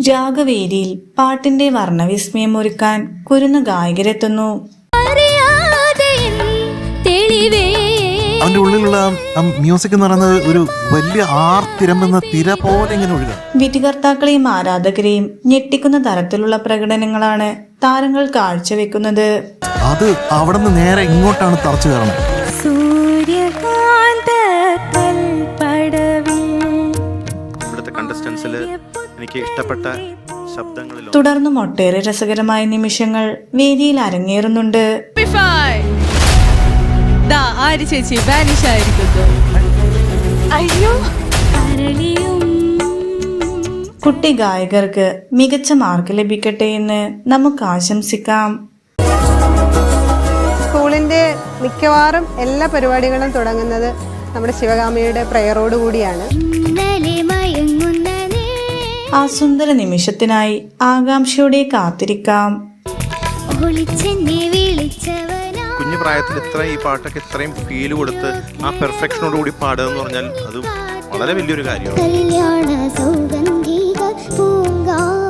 രാഗവേദിയിൽ പാട്ടിന്റെ വർണ്ണവിസ്മയം ഒരുക്കാൻ കുരുന്ന ഗായകരെത്തുന്നു. അവന്റെ ഉള്ളിലുള്ള മ്യൂസിക് എന്ന് പറയുന്നത് ഒരു വലിയ ആർത്തിരമ്പുന്ന തിര പോലെ ഇങ്ങനെ ഒഴുകുക. വിധികർത്താക്കളെയും ആരാധകരെയും ഞെട്ടിക്കുന്ന തരത്തിലുള്ള പ്രകടനങ്ങളാണ് താരങ്ങൾ കാഴ്ചവെക്കുന്നത്. അത് അവിടെ നിന്ന് നേരെ ഇങ്ങോട്ടാണ് തറച്ചു കയറണം. ഇവിടുത്തെ കണ്ടസ്റ്റൻസിൽ എനിക്ക് ഇഷ്ടപ്പെട്ട ശബ്ദങ്ങളിൽ തുടർന്നും ഒട്ടേറെ രസകരമായ നിമിഷങ്ങൾ വേദിയിൽ അരങ്ങേറുന്നുണ്ട്. ചേച്ചി വാനിഷ് ആയിരിക്കുന്നു. കുട്ടി ഗായകർക്ക് മികച്ച മാർക്ക് ലഭിക്കട്ടെ എന്ന് നമുക്ക് ആശംസിക്കാം. സ്കൂളിന്റെ മിക്കവാറും എല്ലാ പരിപാടികളും തുടങ്ങുന്നത് നമ്മുടെ ശിവകാമിയുടെ പ്രയറോട് കൂടിയാണ്. ആ സുന്ദര നിമിഷത്തിനായി ആകാംക്ഷയോടെ കാത്തിരിക്കാം. കുഞ്ഞു പ്രായത്തിൽ ഈ പാട്ടൊക്കെ ഇത്രയും ഫീൽ കൊടുത്ത് ആ പെർഫെക്ഷനോട് കൂടി പാടുക എന്ന് പറഞ്ഞാൽ അത് വളരെ വലിയൊരു കാര്യമാണ്.